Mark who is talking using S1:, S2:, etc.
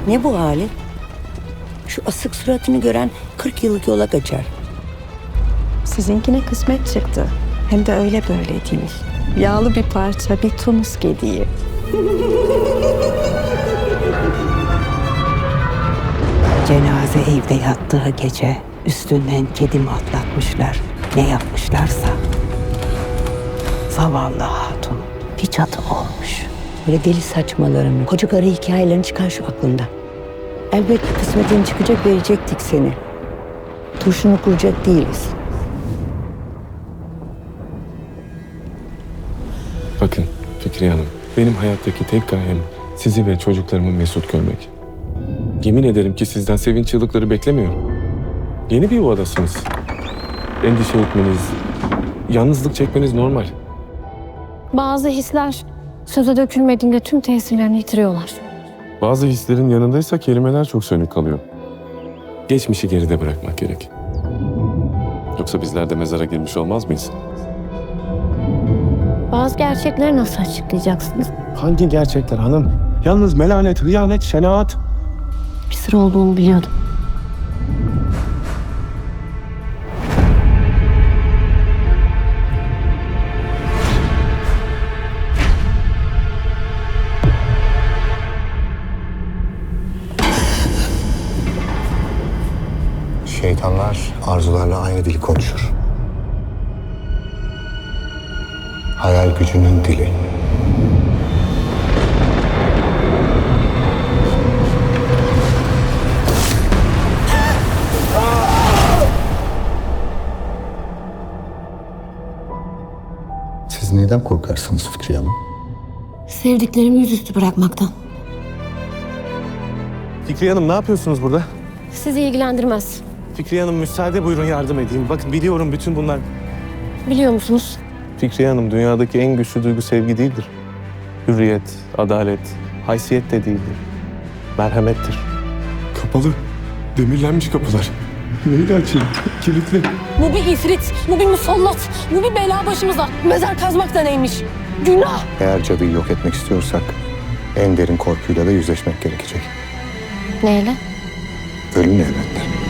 S1: Ne bu hali? Şu asık suratını gören 40 yıllık yola kaçar.
S2: Sizinkine kısmet çıktı. Hem de öyle böyle değil. Yağlı bir parça, bir Tunus gediği.
S3: Cenaze evde yattığı gece üstünden kedimi atlatmışlar. Ne yapmışlarsa. Zavallı hatun bir cadı olmuş.
S1: Böyle deli saçmalarını, koca karı hikayelerini çıkar şu aklında. Elbet kısmetin çıkacak, verecektik seni. Turşunu kuracak değiliz.
S4: Bakın Fikriye Hanım, benim hayattaki tek gayem sizi ve çocuklarımı mesut görmek. Yemin ederim ki sizden sevinç çığlıkları beklemiyorum. Yeni bir yuvadasınız. Endişe etmeniz, yalnızlık çekmeniz normal.
S5: Bazı hisler söze dökülmediğinde tüm tesirlerini yitiriyorlar.
S4: Bazı hislerin yanındaysa kelimeler çok sönük kalıyor. Geçmişi geride bırakmak gerek. Yoksa bizler de mezara girmiş olmaz mıyız?
S5: Bazı gerçekleri nasıl açıklayacaksınız?
S4: Hangi gerçekler hanım? Yalnız melanet, hıyanet, şenaat.
S5: Bir sır olduğunu biliyordum.
S6: Şeytanlar arzularla aynı dili konuşur. Hayal gücünün dili. Siz neden korkarsınız Fikriye Hanım?
S5: Sevdiklerimi yüzüstü bırakmaktan.
S4: Fikriye Hanım ne yapıyorsunuz burada?
S5: Sizi ilgilendirmez.
S4: Fikriye Hanım müsaade buyurun yardım edeyim. Bakın biliyorum bütün bunlar.
S5: Biliyor musunuz?
S4: Fikriye Hanım dünyadaki en güçlü duygu sevgi değildir. Hürriyet, adalet, haysiyet de değildir. Merhamettir. Kapalı. Demirlenmiş kapılar. Neyle açayım? Kilitli.
S5: Bu bir ifrit, bu bir musallat, bu bir bela başımıza. Mezar kazmak da neymiş? Günah!
S6: Eğer cadıyı yok etmek istiyorsak en derin korkuyla da yüzleşmek gerekecek.
S5: Neyle?
S6: Ölümle elbette.